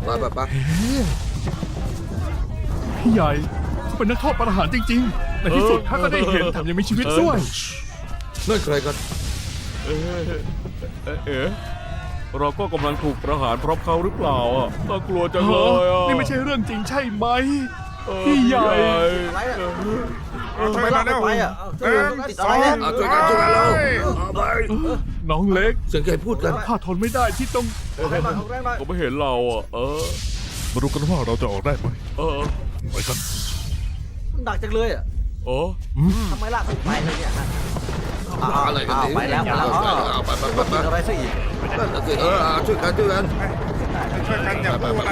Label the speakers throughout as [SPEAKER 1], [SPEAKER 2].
[SPEAKER 1] ไป
[SPEAKER 2] พี่ใหญ่เขาเป็นนักโทษประหารจริงๆในที่สุดข้าก็ได้เห็นแถมยังมีชีวิตด้วย
[SPEAKER 1] นั่นใครกัน
[SPEAKER 3] เราก็กำลังถูกประหารเพราะเขาหรือเปล่าอ่ะน่ากลัวจังเลยอ่ะ
[SPEAKER 2] นี่ไม่ใช่เรื่องจริงใช่ไหมพี่ใหญ่
[SPEAKER 4] อะไรอ่ะทำไมลากไปอ่ะติดอะไรเนี่ย
[SPEAKER 1] ช่วยกันแล้วไป
[SPEAKER 2] น้องเล็ก
[SPEAKER 1] เสียงใครพูดกัน
[SPEAKER 2] ข้าทนไม่ได้ที่ต้อง
[SPEAKER 4] แรงมาแรงมา
[SPEAKER 3] ก็ไม่เห็นเราอ่ะ
[SPEAKER 2] มาดูกันว่าเราจะออกได้ไหม
[SPEAKER 3] ไปกัน
[SPEAKER 4] มันดักจังเลยอ่ะทำไมลากไปเลยเนี่ย
[SPEAKER 1] อะไรกัน
[SPEAKER 4] ไปแล้วไปแล้ว
[SPEAKER 1] ไป
[SPEAKER 4] กินอะไรซะอีก
[SPEAKER 1] นั่นสิช่วยกัน
[SPEAKER 5] อย่าพูดนะ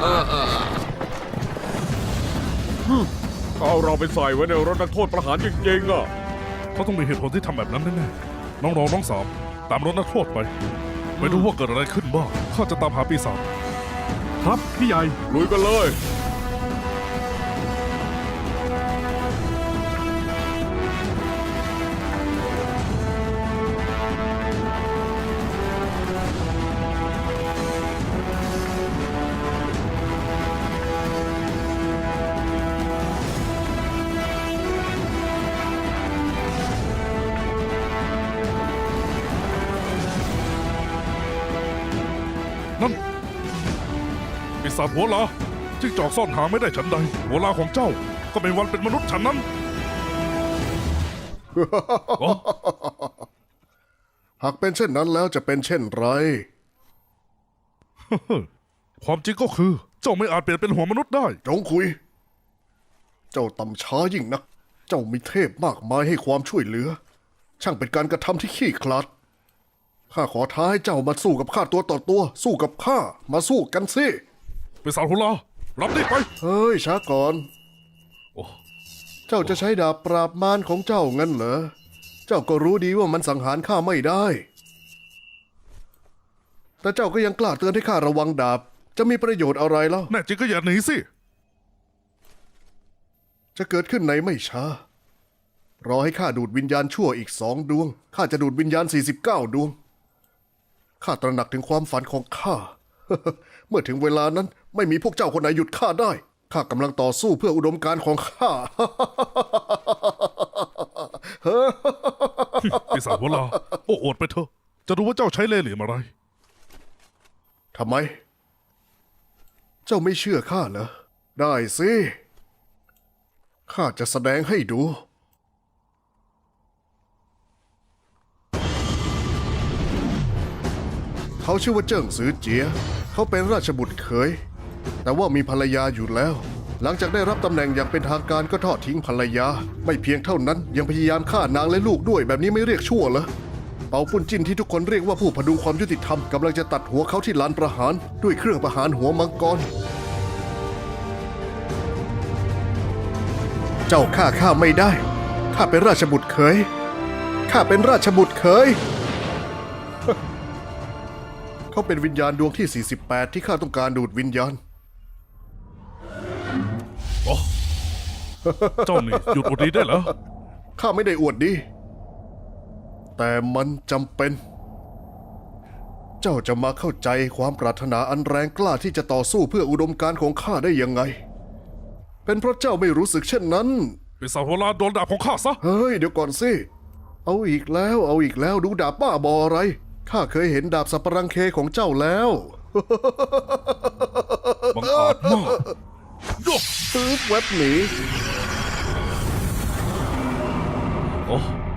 [SPEAKER 3] เอาเราไปใส่ไว้ในรถนักโทษประหารจริงๆอ่ะ
[SPEAKER 2] เขาต้องมีเหตุผลที่ทำแบบนั้นแน่ๆน้องๆน้องสามตามรถนักโทษไปไม่รู้ว่าเกิดอะไรขึ้นบ้างข้าจะตามหาปีศาจครับพี่ใหญ่
[SPEAKER 3] ลุยกันเลย
[SPEAKER 2] นั่นปีศาจหัวลาจิ้งจอกซ่อนหาไม่ได้ฉันใดหัวลาของเจ้าก็เป็นวันเป็นมนุษย์ฉันนั้น
[SPEAKER 5] หากเป็นเช่นนั้นแล้วจะเป็นเช่นไร
[SPEAKER 2] ความจริงก็คือเจ้าไม่อาจเปลี่ยนเป็นหัวมนุษย์ได้
[SPEAKER 5] จงคุย เจ้าต่ำช้ายิ่งนัก เจ้ามีเทพมากมายให้ความช่วยเหลือ ช่างเป็นการกระทำที่ขี้คลาด ข้าขอท้าให้เจ้ามาสู้กับข้าตัวต่อตัว สู้กับข้ามาสู้กันสิ
[SPEAKER 2] ปีศาจหัวลารับนี่ไป
[SPEAKER 5] เฮ้ยช้าก่อน
[SPEAKER 2] โอ้
[SPEAKER 5] เจ้าจะใช้ดาบปราบมารของเจ้างั้นเหรอ เจ้าก็รู้ดีว่ามันสังหารข้าไม่ได้ แต่เจ้าก็ยังกล้าเตือนให้ข้าระวังดาบ จะมีประโยชน์อะไรเล่า
[SPEAKER 2] แน่จริงก็อย่าหนีสิ
[SPEAKER 5] จะเกิดขึ้นในไม่ช้ารอให้ข้าดูดวิญญาณชั่วอีก2 ดวง ข้าจะดูดวิญญาณ49 ดวง ข้าตระหนักถึงความฝันของข้า เมื่อถึงเวลานั้นไม่มีพวกเจ้าคนไหนหยุดข้าได้ ข้ากำลังต่อสู้เพื่ออุดมการณ์ของข้า
[SPEAKER 2] ปีศาจหัวลาโอ้อวดไปเถอะจะรู้ว่าเจ้าใช้เล่ห์เหลี่ยมอะไร
[SPEAKER 5] ทำไม เจ้าไม่เชื่อข้าเหรอ ได้สิ ข้าจะแสดงให้ดู เขาชื่อว่าเจิ้งซือเจีย เขาเป็นราชบุตรเขย แต่ว่ามีภรรยาอยู่แล้ว หลังจากได้รับตำแหน่งอย่างเป็นทางการก็ทอดทิ้งภรรยา ไม่เพียงเท่านั้นยังพยายามฆ่านางและลูกด้วยแบบนี้ไม่เรียกชั่วเหรอ เปาปุ้นจิ้นที่ทุกคนเรียกว่าผู้พดุงความยุติธรรมกำลังจะตัดหัวเขาที่ลานประหารด้วยเครื่องประหารหัวมังกร เจ้าฆ่าข้าไม่ได้ ข้าเป็นราชบุตรเขย ข้าเป็นราชบุตรเขย เขาเป็นวิญญาณดวงที่ 48 ที่ข้าต้องการดูดวิญญาณ
[SPEAKER 2] เจ้านี่หยุดอวดดีได้เหรอ
[SPEAKER 5] ข้าไม่ได้อวดดี แต่มันจำเป็น เจ้าจะมาเข้าใจความปรารถนาอันแรงกล้าที่จะต่อสู้เพื่ออุดมการณ์ของข้าได้ยังไง เป็นเพราะเจ้าไม่รู้สึกเช่นนั้น
[SPEAKER 2] ปีศาจหัวลาโดนดาบของข้าซะ
[SPEAKER 5] เฮ้ยเดี๋ยวก่อนสิ เอาอีกแล้วดูดาบบ้าบออะไร ข้าเคยเห็นดาบสัปรังเคของเจ้าแล้ว
[SPEAKER 2] บังอาจมาก
[SPEAKER 5] ปื๊บแวบหนี
[SPEAKER 2] โอ้